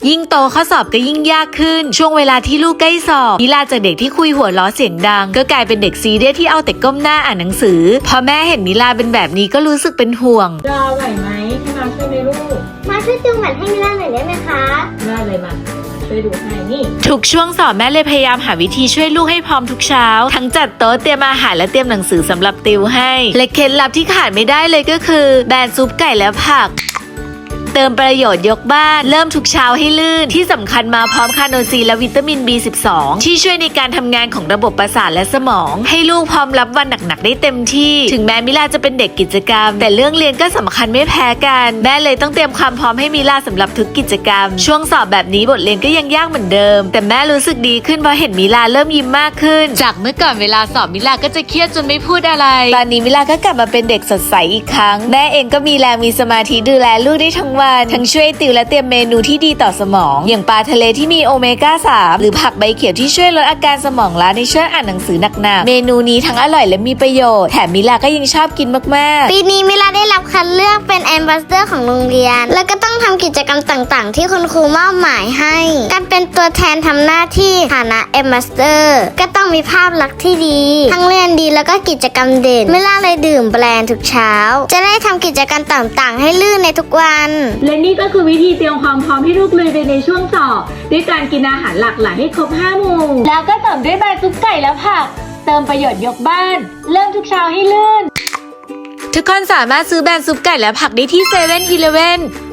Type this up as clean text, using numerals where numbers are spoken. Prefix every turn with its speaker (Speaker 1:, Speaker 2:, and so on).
Speaker 1: ยิ่งโตข้อสอบก็ยิ่งยากขึ้นช่วงเวลาที่ลูกใกล้สอบมิลาจากเด็กที่คุยหัวล้อเสียงดังก็กลายเป็นเด็กซีเรียสที่เอาแต่ก้มหน้าอ่านหนังสือพอแม่เห็นมิลาเป็นแบบนี้ก็รู้สึกเป็นห่วง
Speaker 2: รอไหวไหมให้มาช่วยไหมลูก
Speaker 3: มาช่วยติวแมทให้มิล่าหน่อยได้ไหมคะ
Speaker 2: ได้เลยมาช่วยดูให้นี่
Speaker 1: ทุกช่วงสอบแม่เลยพยายามหาวิธีช่วยลูกให้พร้อมทุกเช้าทั้งจัดโต๊ะเตรียมอาหารและเตรียมหนังสือสำหรับติวให้และเคล็ดลับที่ขาดไม่ได้เลยก็คือแบนซุปไก่และผักเติมประโยชน์ยกบ้านเริ่มทุกเช้าให้ลื่นที่สำคัญมาพร้อมคาโนซีและวิตามิน B12 ที่ช่วยในการทำงานของระบบประสาทและสมองให้ลูกพร้อมรับวันหนักๆได้เต็มที่ถึงแม้มิลาจะเป็นเด็กกิจกรรมแต่เรื่องเรียนก็สำคัญไม่แพ้กันแม่เลยต้องเตรียมความพร้อมให้มิลาสำหรับทุกกิจกรรมช่วงสอบแบบนี้บทเรียนก็ยังยากเหมือนเดิมแต่แม่รู้สึกดีขึ้นเพราะเห็นมิลาเริ่มยิ้มมากขึ้นจากเมื่อก่อนเวลาสอบมิลาก็จะเครียดจนไม่พูดอะไรตอนนี้มิลาก็กลับมาเป็นเด็กสดใสอีกครั้งแม่เองก็มีแรงมีสมาธิดูแลลูกได้ทั้งวันทั้งช่วยติวและเตรียมเมนูที่ดีต่อสมองอย่างปลาทะเลที่มีโอเมก้า 3หรือผักใบเขียวที่ช่วยลดอาการสมองล้าในช่วงอ่านหนังสือหนักๆเมนูนี้ทั้งอร่อยและมีประโยชน์แถมมิลาก็ยังชอบกินมากๆ
Speaker 3: ปีนี้มิล่าได้รับคัดเลือกเป็นแอมบาสเดอร์ของโรงเรียนแล้วก็ต้องทำกิจกรรมต่างๆที่คุณครูมอบหมายให้การเป็นตัวแทนทำหน้าที่ฐานะแอมบาสเดอร์ก็ต้องมีภาพลักษณ์ที่ดีทั้งเรียนดีแล้วก็กิจกรรมเด่นมิล่าเลยดื่มแบรนด์ทุกเช้าจะได้ทำกิจกรรมต่างๆให้ลื่นในทุกวัน
Speaker 2: และนี่ก็คือวิธีเตรียมความพร้อมให้ลูกลุยไปในช่วงสอบด้วยการกินอาหารหลากหลายให้ครบ5 หมู่แล้วก็เสริมด้วยใบซุปไก่และผักเติมประโยชน์ยกบ้านเริ่มทุกเช้าให้ลื่น
Speaker 1: ทุกคนสามารถซื้อแบรนด์ซุปไก่และผักได้ที่7-Eleven